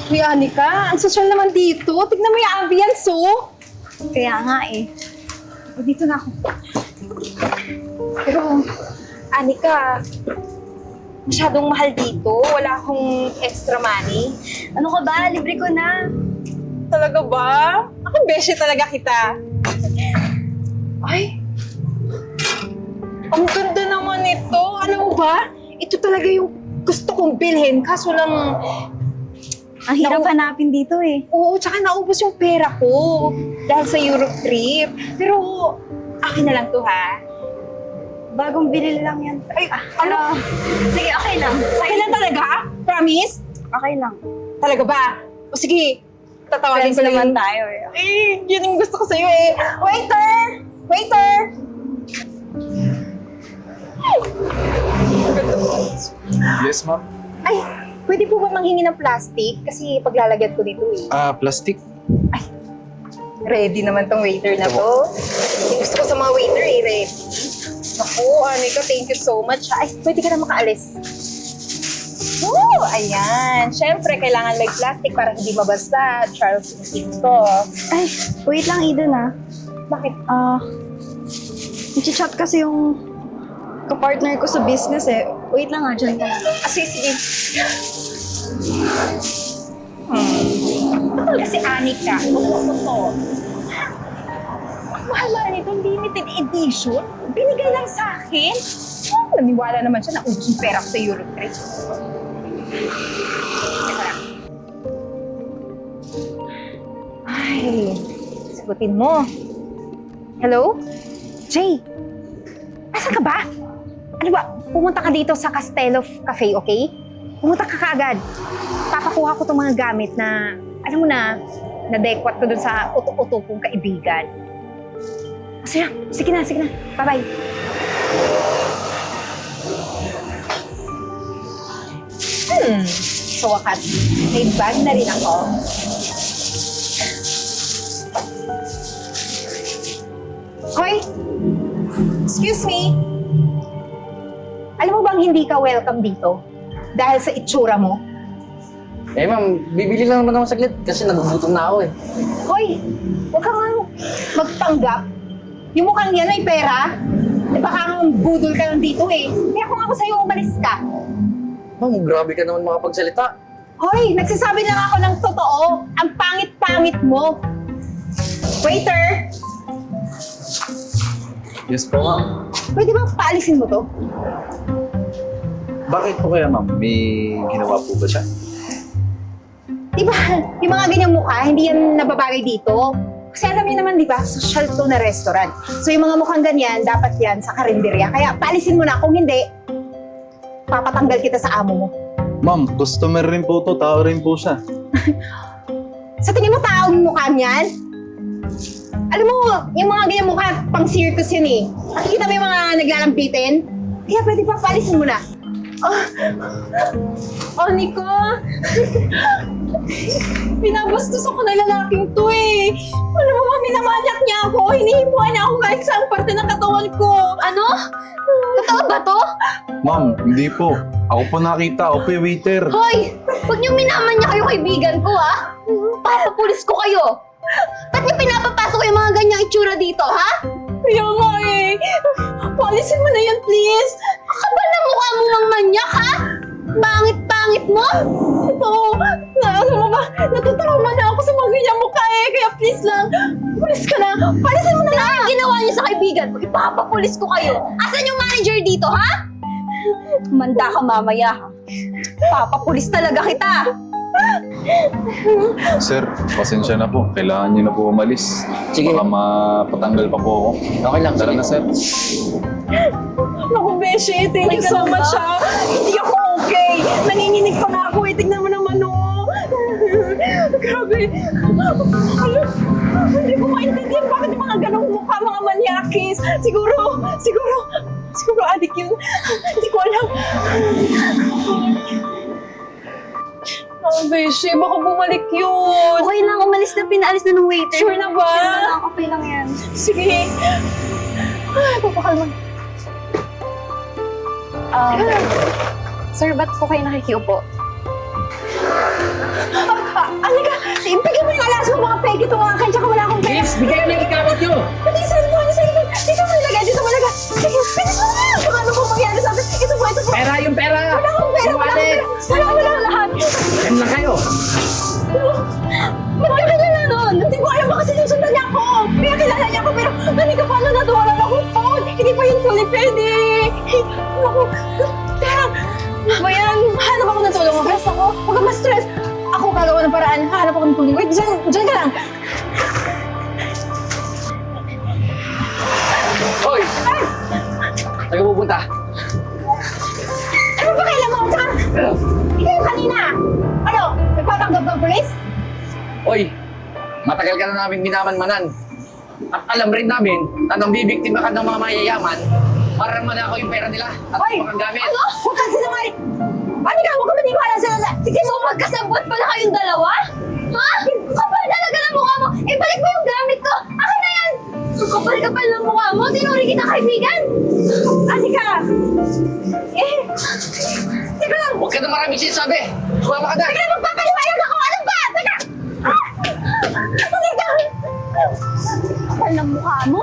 Kuya Anika, ang social naman dito. Tignan mo yung ambience, oh. Kaya nga eh. O, dito na ako. Pero, Anika, masyadong mahal dito. Wala akong extra money. Ano ka ba? Libre ko na. Talaga ba? Ako beshi talaga kita. Ay, ang ganda naman ito. Alam mo ba? Ito talaga yung gusto kong bilhin. Kaso lang, Ang hirap hanapin dito eh. oo, tsaka naubos yung pera ko dahil sa Europe trip. Pero, akin na lang to, ha? Bagong binili lang yan. Ay, Pero, sige, okay lang. Akin lang talaga? Promise? Okay lang. Talaga ba? O sige, tatawagin Friends ko lang naman yung... tayo eh. Yun yung gusto ko sa'yo eh. Waiter! Waiter! Yes, ma'am. Ay, pwede po ba manghingi ng plastic? Kasi paglalagyan ko dito eh. Plastic. Ready naman tong waiter na to. Yung gusto ko sa mga waiter eh, ready. Naku, Anika, thank you so much. Ay, pwede ka na makaalis. Oh, ayan. Siyempre, kailangan may plastic para hindi mabasa. Charles to. Ay, wait lang Eden ah. Bakit? Nag-chat kasi yung kapartner ko sa business eh. Wait lang ah, dyan ka lang. Sige, sige. Ito kasi Anika. Ito. Mahal nito, limited edition. Binigay lang sa akin. Naniwala naman siya na ubos yung pera ko sa Europe trip. Teka lang. Ay, sagutin mo. Hello? Jay, asan ka ba? Ano ba, pumunta ka dito sa Castello Cafe, okay? Pumunta ka kaagad. Papakuha ko itong mga gamit na, alam mo na, nadekwat ko dun sa uto-uto kong kaibigan. Sige na. Bye-bye. So wakas, may bag na rin ako. Hoy! Excuse me! Alam mo bang hindi ka welcome dito? Dahil sa itsura mo? Eh ma'am, bibili lang naman ako saglit kasi nagugutom na ako eh. Hoy! Huwag kang magpanggap. Yung mukhang yan ay pera. Eh baka ang budol ka lang dito eh. Kaya kung ako sa'yo, umalis ka. Ma'am, grabe ka naman makapagsalita. Hoy! Nagsasabi lang ako ng totoo. Ang pangit-pangit mo. Waiter! Yes po, ma'am. Pwede ba paalisin mo to? Bakit po kaya, ma'am? May ginawa po ba siya? Diba, yung mga ganyang mukha, hindi yan nababagay dito. Kasi alam niyo naman, di ba, social to na restaurant. So yung mga mukhang ganyan, dapat yan sa karinderya. Kaya paalisin mo na. Kung hindi, papatanggal kita sa amo mo. Ma'am, customer rin po to. Tao rin po siya. Sa tingin mo taong mukha niyan? Alam mo, yung mga ganyang mukha, pang circus yun eh. Nakikita mo yung mga naglalambitin? Kaya pwede pa, paalisin mo na. Oh, Nico! Binabastos ako na lalaking to eh. Alam mo ba, minamanyak niya ako. Hinihipuan niya ako kahit saan parte ng katawan ko. Ano? Totoo ba to? Ma'am, hindi po. Ako po nakita. Ako po yung waiter. Hoy! Huwag niyo minamanyak kayo kaibigan ko ah! Papapulis ko kayo! Ba't niyo pinapapasok yung mga ganyang itsura dito, ha? Kaya nga eh. Paalisin mo na yan, please. Kapal na mukha mo mang manyak, ha? Pangit-pangit mo? Oo. Ano mo ba? Natutrauma na ako sa mga ganyang mukha eh. Kaya please lang, pulis ka na. Paalisin mo na lang. Ang ginawa niyo sa kaibigan ko, ipapapulis ko kayo. Asan yung manager dito, ha? Manda ka mamaya, ha? Papapulis talaga kita. Sir, pasensya na po. Kailangan niyo na po umalis. Sige. Baka mapatanggal pa po ako. Okay lang, Tara sige. na, sir. Naku, Beshi, thank you so much ha. Hindi ako okay. Nanginginig pa nga ako eh. Tignan mo naman oh. Grabe. Alam, hindi ko maintindihan bakit yung mga ganong mukha, mga manyakis. Siguro adik yun. Hindi ko alam. Beshi, baka bumalik yun. Okay lang, umalis na, pinaalis na ng waiter. Sure na ba? Sure na, okay lang yan. Sige. Papakalma. Sir, ba't po kayo nakikiupo? lang kayo. Ba't ka kilala nun? Hindi ko alam baka sinusundan niya ako. Kaya kilala niya ako pero hindi ka paano na wala akong phone. Hindi pa yun fully pwede. Naku. Tara. Bayan, hanap ako ng tulong. Stress ako. Huwag ka ma-stress. Ako gagawa ng paraan. Hanap ako ng tulong. Wait, dyan ka lang. Hoy! Saan ka pupunta? Ano ba kailan mo? Tsaka, ikaw yung kanina. Ano? Nagpapanggap ng polis? Hoy! Matagal ka na namin minaman-manan. At alam rin namin na nang bibiktima ka ng mga mayayaman para manakaw yung pera nila at makagamit. Ano? Huwag ka sinungaling. Ano ka? Huwag ka maniwala sa nila. Sige mo, magkasabot pala kayong dalawa? Ha? Kapal talaga ng mukha mo. Ibalik mo yung gamit ko. Akin na yan. Kapal-kapal ng mukha mo. Tinuri kita kaibigan. Anika. Teka lang. Huwag ka na maraming sinasabi! Sumama ka na! Teka lang, magpapaliwayag ako. Ano ba? Teka. Teka. Kapal ng mukha mo.